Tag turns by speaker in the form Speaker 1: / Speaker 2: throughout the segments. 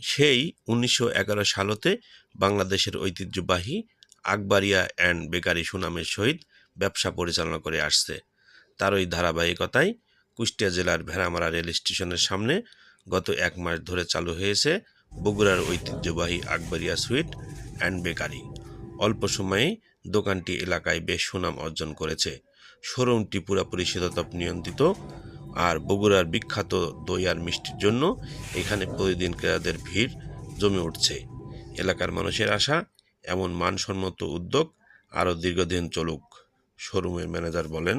Speaker 1: সেই 1911 সালতে বাংলাদেশের ঐতিহ্যবাহী আকবরিয়া অ্যান্ড বেকারি সুনামের সহিত ব্যবসা পরিচালনা করে আসছে। তার ওই ধারাবাহিকতায় কুষ্টিয়া জেলার ভেড়ামারা রেল স্টেশনের সামনে গত 1 মাস ধরে চালু হয়েছে বগুড়ার ঐতিহ্যবাহী আকবরিয়া সুইট অ্যান্ড বেকারি। অল্প সময়েই দোকানটি এলাকায় বেশ সুনাম অর্জন করেছে। শোরুমটি পুরোপুরি শীতাতপ নিয়ন্ত্রিত, আর বগুড়ার বিখ্যাত দই আর মিষ্টির জন্য এখানে প্রতিদিন ক্রেতাদের ভিড় জমে উঠছে। এলাকার মানুষের আশা এমন মানসম্মত উদ্যোগ আরও দীর্ঘদিন চলুক। শোরুমের ম্যানেজার বলেন,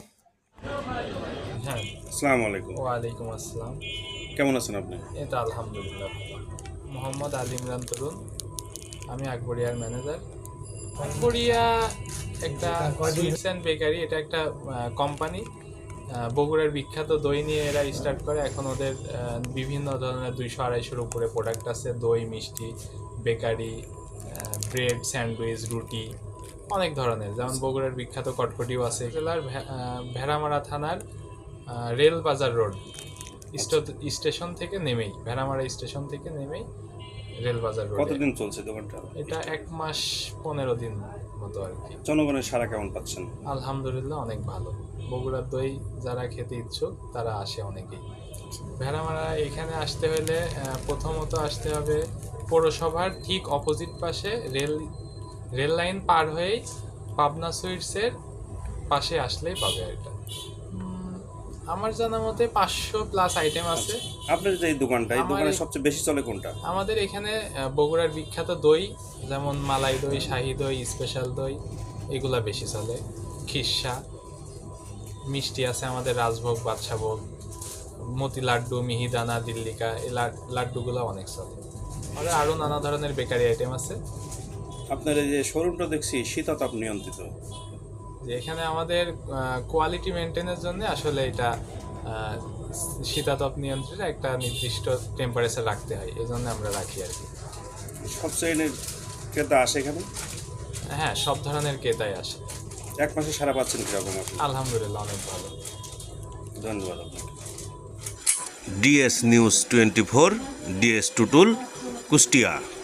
Speaker 2: হ্যাঁ,
Speaker 3: আসসালামু আলাইকুম।
Speaker 2: ওয়ালাইকুম আসসালাম।
Speaker 3: কেমন আছেন আপনি?
Speaker 2: এটা আলহামদুলিল্লাহ মোহাম্মদ আলী ইমরান তরুণ, আমি আকবরিয়ার ম্যানেজার। আকবরিয়া একটা সুইটস অ্যান্ড বেকারি, এটা একটা কোম্পানি। বগুড়ার বিখ্যাত দই নিয়ে এরা স্টার্ট করে। এখন ওদের বিভিন্ন ধরনের 200-250 উপরে প্রোডাক্ট আছে। দই, মিষ্টি, বেকারি, ব্রেড, স্যান্ডউইচ, রুটি, অনেক ধরনের। যেমন বগুড়ার বিখ্যাত কটকটিও আছে। জেলার ভেড়ামারা থানার রেল বাজার রোড স্টেশন থেকে নেমেই, ভেড়ামারা স্টেশন থেকে নেমেই রেল বাজার রোড।
Speaker 3: কতদিন চলছে দোকানটা?
Speaker 2: এটা 1 মাস 15 দিন মতো আর কি।
Speaker 3: জনগণের সাড়া কেমন পাচ্ছেন?
Speaker 2: আলহামদুলিল্লাহ অনেক ভালো। বগুড়ার দই যারা খেতে ইচ্ছুক তারা আসে অনেকেই। ভেড়ামারা এখানে আসতে হলে প্রথমত আসতে হবে পৌরসভার ঠিক অপোজিট পাশে রেল লাইন পার হয়েই পাবনা সুইটসের পাশে আসলেই পাবে এটা। আমার জানা মতে 500+ আইটেম আছে।
Speaker 3: আপনার যে এই দোকানটা, এই দোকানে সবচেয়ে বেশি চলে কোনটা?
Speaker 2: আমাদের এখানে বগুড়ার বিখ্যাত দই, যেমন মালাই দই, শাহি দই, স্পেশাল দই, এগুলা বেশি চলে। খিরসা, মিষ্টি আছে আমাদের রাজভোগ, বাদশাভোগ, মতি লাড্ডু, মিহিদানা, দিল্লিকা, এই লাড্ডুগুলো অনেক চলে। আর আরও নানা ধরনের বেকারি আইটেম আছে।
Speaker 3: আপনার এই যে শোরুমটা দেখছি শীতাতপ নিয়ন্ত্রিত,
Speaker 2: যে এখানে আমাদের কোয়ালিটি মেনটেনের জন্য আসলে এটা শীতাতপ নিয়ন্ত্রণে একটা নির্দিষ্ট টেম্পারেচার রাখতে হয়, এই জন্য আমরা রাখি আর কি।
Speaker 3: সব শ্রেণীর ক্রেতা আসে এখানে?
Speaker 2: হ্যাঁ, সব ধরনের ক্রেতাই আসে।
Speaker 3: 1 মাসে সারা পাচ্ছেন কিরকম আপনি?
Speaker 2: আলহামদুলিল্লাহ অনেক ভালো।
Speaker 3: ধন্যবাদ আপনাকে।
Speaker 1: DS news 24, DS Tutul, Kushtia.